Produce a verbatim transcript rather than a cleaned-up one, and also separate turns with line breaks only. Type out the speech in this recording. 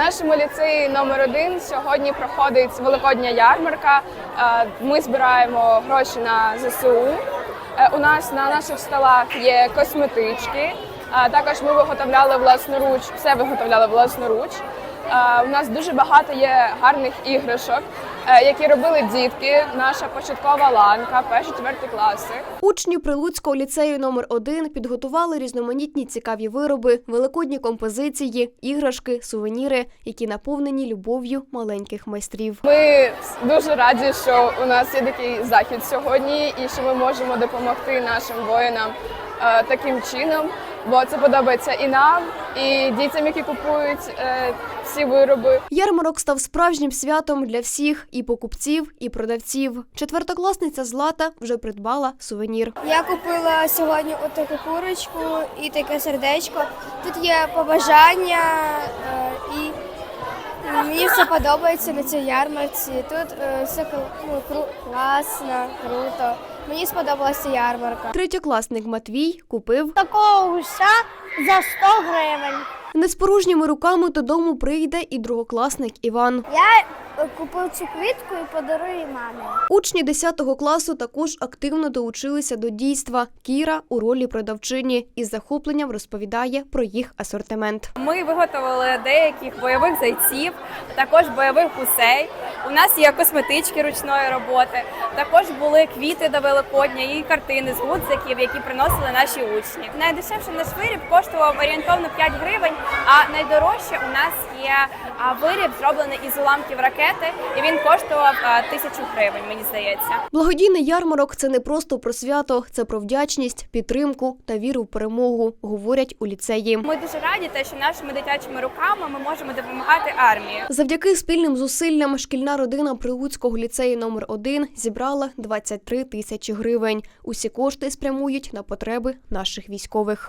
нашому ліцеї номер один сьогодні проходить великодня ярмарка. Ми збираємо гроші на зе се у. У нас на наших столах є косметички. Також ми виготовляли власноруч, все виготовляли власноруч. У нас дуже багато є гарних іграшок, які робили дітки, наша початкова ланка, перші-четверті класи.
Учні Прилуцького ліцею номер один підготували різноманітні цікаві вироби, великодні композиції, іграшки, сувеніри, які наповнені любов'ю маленьких майстрів.
Ми дуже раді, що у нас є такий захід сьогодні і що ми можемо допомогти нашим воїнам е, таким чином, бо це подобається і нам, і дітям, які купують е, всі вироби.
Ярмарок став справжнім святом для всіх – і покупців, і продавців. Четвертокласниця Злата вже придбала сувенір.
Я купила сьогодні отаку курочку і таке сердечко. Тут є побажання е, і мені все подобається на цій ярмарці. Тут е, все ну, кру, класно, круто. Мені сподобалася ярмарка.
Третьокласник Матвій купив
Такого гуся за сто гривень.
не з порожніми руками додому прийде і другокласник Іван.
Я купив цю квітку і подарую мамі.
Учні десятого класу також активно долучилися до дійства. Кіра у ролі продавчині із захопленням розповідає про їх асортимент.
Ми виготовили деяких бойових зайців, також бойових гусей. У нас є косметички ручної роботи, також були квіти до Великодня і картини з гудзиків, які приносили наші учні. Найдешевший наш виріб коштував орієнтовно п'ять гривень, а найдорожче у нас є виріб, зроблений із уламків ракети, і він коштував тисячу гривень, мені здається.
Благодійний ярмарок – це не просто про свято, це про вдячність, підтримку та віру в перемогу, говорять у ліцеї.
Ми дуже раді, те, що нашими дитячими руками ми можемо допомагати армії.
Завдяки спільним зусиллям шкільна родина Прилуцького ліцею номер один зібрала двадцять три тисячі гривень. Усі кошти спрямують на потреби наших військових.